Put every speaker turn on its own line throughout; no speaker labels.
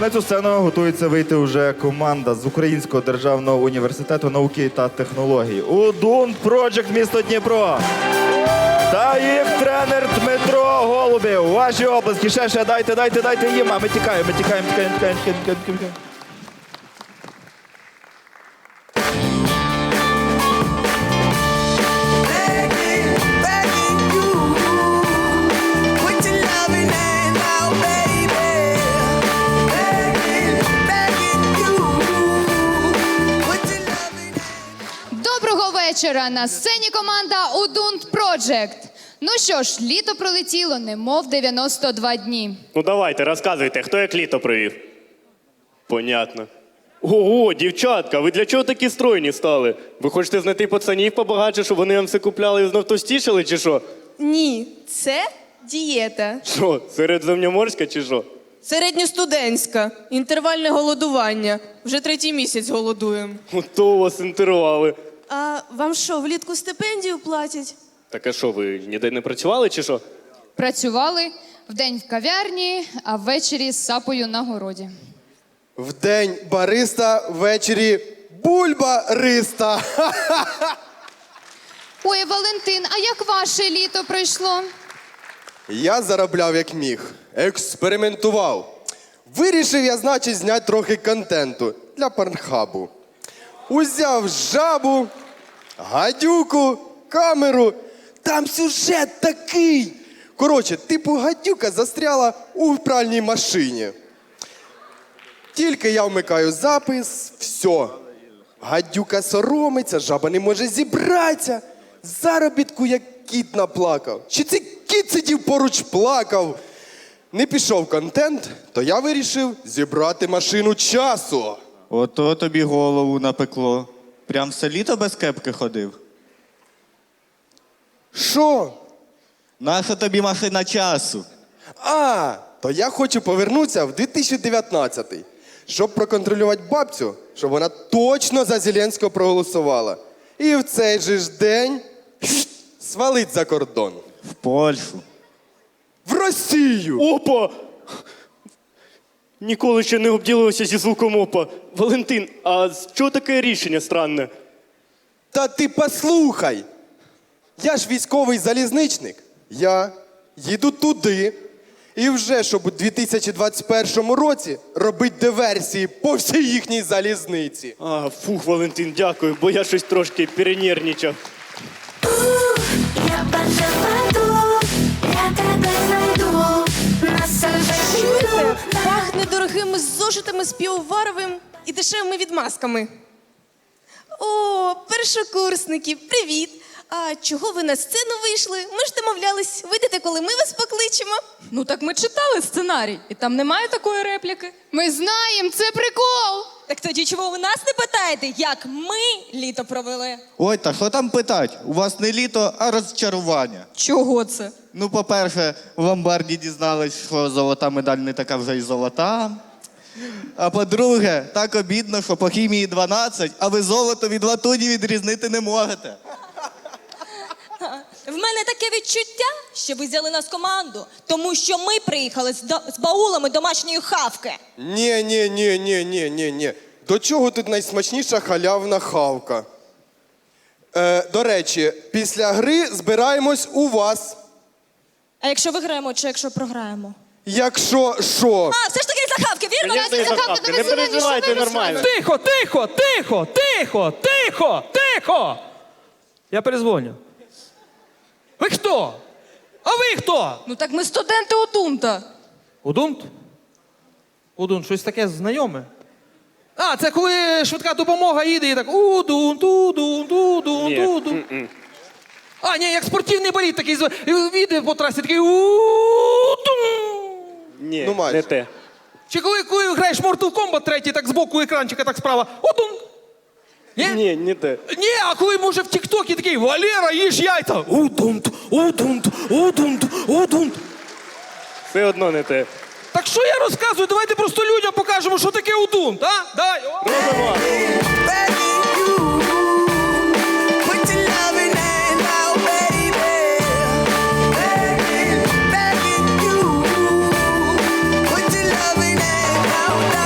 на цю сцену готується вийти вже команда з Українського державного університету науки та технологій. УДУНТ Project місто Дніпро. Та їх тренер Дмитро Голубів. Ваші оплески. Ще, дайте їм. А ми тікаємо.
Доброго вечора! На сцені команда УДУНТ Project. Ну що ж, літо пролетіло, немов 92 дні.
Ну давайте, розказуйте, хто як літо провів? Понятно. Ого, дівчатка, ви для чого такі стройні стали? Ви хочете знайти пацанів побагатше, щоб вони вам все купляли і знов товстішали, чи що?
Ні, це дієта.
Що, середземноморська чи що?
Середньостудентська. Інтервальне голодування. Вже 3-й місяць голодуємо.
Ото вас інтервали.
А вам що, влітку стипендію платять?
Так а що, ви ніде не працювали чи що?
Працювали вдень в кав'ярні, а ввечері з сапою на городі.
Вдень бариста, ввечері бульба-риста.
Ой, Валентин, а як ваше літо пройшло?
Я заробляв як міг, експериментував. Вирішив я, значить, зняти трохи контенту для Порнхабу. Узяв жабу, гадюку, камеру. Там сюжет такий. Коротше, типу гадюка застряла у пральній машині. Тільки я вмикаю запис, все. Гадюка соромиться, жаба не може зібратися. Заробітку як кіт наплакав. Чи цей кіт сидів поруч плакав? Не пішов контент, то я вирішив зібрати машину часу.
Ото тобі голову напекло. Прям все літо без кепки ходив.
Що?
Наша тобі машина часу?
То я хочу повернутися в 2019-й, щоб проконтролювати бабцю, щоб вона точно за Зеленського проголосувала. І в цей же ж день свалить за кордон.
В Польщу.
В Росію!
Опа! Ніколи ще не обділився зі звуком опа. Валентин, а з чого таке рішення странне?
Та ти послухай! Я ж військовий залізничник. Я їду туди. І вже, щоб у 2021 році робити диверсії по всій їхній залізниці.
Фух, Валентин, дякую, бо я щось трошки перенервничав.
Я пожалую, я тебе знайду.
Чуєте? Пахне дорогими зошитами з півоваровим і дешевими відмазками. О, першокурсники, привіт! А чого ви на сцену вийшли? Ми ж домовлялись, вийдете, коли ми вас покличемо.
Ну так ми читали сценарій, і там немає такої репліки.
Ми знаємо, це прикол!
Так тоді чого ви нас не питаєте, як ми літо провели?
Ой, та що там питать? У вас не літо, а розчарування.
Чого це?
Ну, по-перше, в ломбарді дізнались, що золота медаль не така вже й золота. А по-друге, так обідно, що по хімії 12, а ви золото від латуні відрізнити не можете.
В мене таке відчуття, що ви взяли нас в команду, тому що ми приїхали з баулами домашньої хавки.
Ні. До чого тут найсмачніша халявна хавка? До речі, після гри збираємось у вас.
А якщо виграємо чи якщо програємо?
Якщо що?
А, все ж таки за хавки, вірно?
Звісно, і за хавки. Не переживайте, нормально.
Тихо! Я перезвоню. Ви хто? А ви хто?
Ну так ми студенти УДУНТа.
УДУНТ? УДУНТ, щось таке знайоме. Це коли швидка допомога їде і так УДУНТ. Ні, як спортивний болід такий, їде по трасі такий УДУНТ.
Ні,
Ну, майже.
не те.
Чи коли граєш Mortal Kombat 3, так збоку екранчика, так справа УДУНТ.
Ні, не те.
Ні, а коли може в Тік-Токі такий Валера, їж яйця. Удунт.
Все одно не те.
Так що я розказую? Давайте просто людям покажемо, що таке удунт, а? Давай.
Робимо.
Back in you. Put your loving hand out.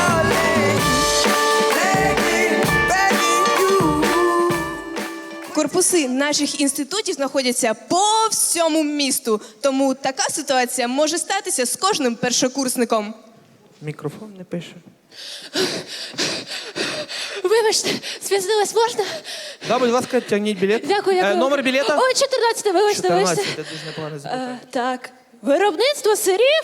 корпуси наших інститутів знаходяться по всьому місту. Тому така ситуація може статися з кожним першокурсником.
Мікрофон не пише.
Вибачте, спізнилась, можна?
Да, будь ласка, тягніть білет.
Дякую, дякую.
Номер білета?
Ой, 14, вибачте,
14,
вибачте.
це дуже непогано запитання.
Так, виробництво сирів?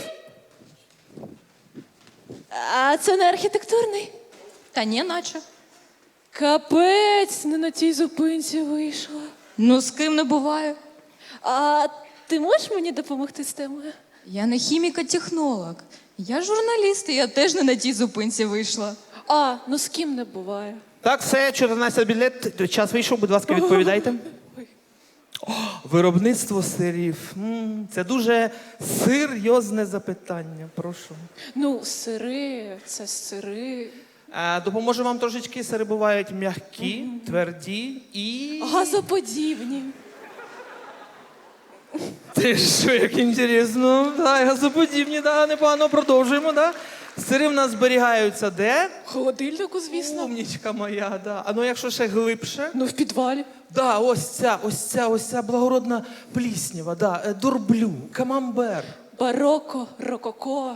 А це не архітектурний?
Та ні, наче.
Капець, не на тій зупинці вийшла.
Ну, з ким не буває.
А ти можеш мені допомогти з темою?
Я не хіміка-технолог. Я журналіст, і я теж не на тій зупинці вийшла.
А, ну з ким не буває.
Так, все, 14 білет, час вийшов, будь ласка, відповідайте. О, виробництво сирів. Це дуже серйозне запитання, прошу.
Ну, сири, це сири.
Допоможу вам трошечки, сири бувають м'які, тверді і...
Газоподібні.
Ти що, як інтересно. Да, газоподібні, да, непогано, продовжуємо, да. Сири в нас зберігаються де?
В холодильнику, звісно.
Умнічка моя, да. А ну якщо ще глибше?
Ну, в підвалі.
Да, ось ця благородна пліснява, да, дурблю, камамбер.
Бароко, рококо.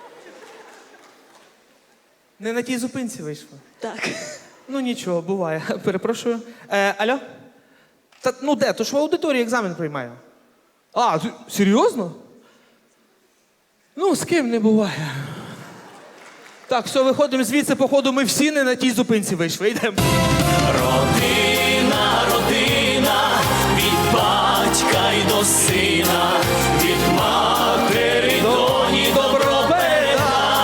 Не на тій зупинці вийшло.
Так.
Ну нічого, буває. Перепрошую. Алло? Та ну де? То ж в аудиторії екзамен приймаю. А, серйозно? Ну, з ким не буває. Так, все, виходимо звідси, походу, ми всі не на тій зупинці вийшли. Йдемо.
Родина, родина, від батька й до сина, від матері доні добро передай.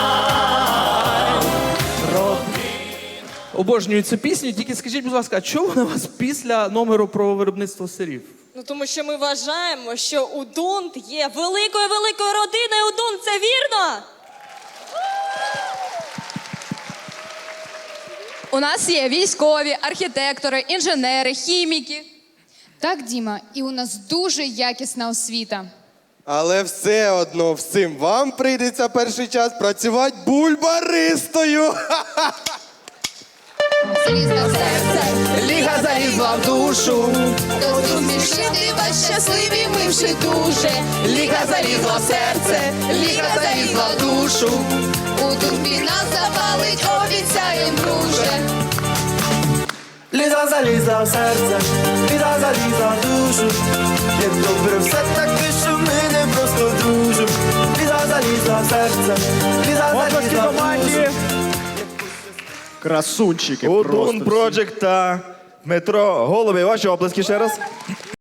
Обожнюю цю пісню, тільки скажіть, будь ласка, а чого вона у вас після номеру про виробництво сирів?
Ну, тому що ми вважаємо, що УДУНТ є великою-великою родиною УДУНТ. Це вірно?
У нас є військові, архітектори, інженери, хіміки. Так, Діма, і у нас дуже якісна освіта.
Але все одно всім вам прийдеться перший час працювати бульбаристою.
Залізла в серце,
Ліга залізла в душу,
то зумішити вас щасливі ми вже дуже.
ліга залізла в серце,
ліга залізла в душу. У дурбі нас запалить, обіцяєм, друже.
Ліза залізла в серце, ліза залізла в душу. Як добре все таки, що ми не просто дружимо. Ліза залізла в серце, ліза залізла в душу.
Красунчики. Удун Project та Дмитро Голубів. Ваші оплески ще раз.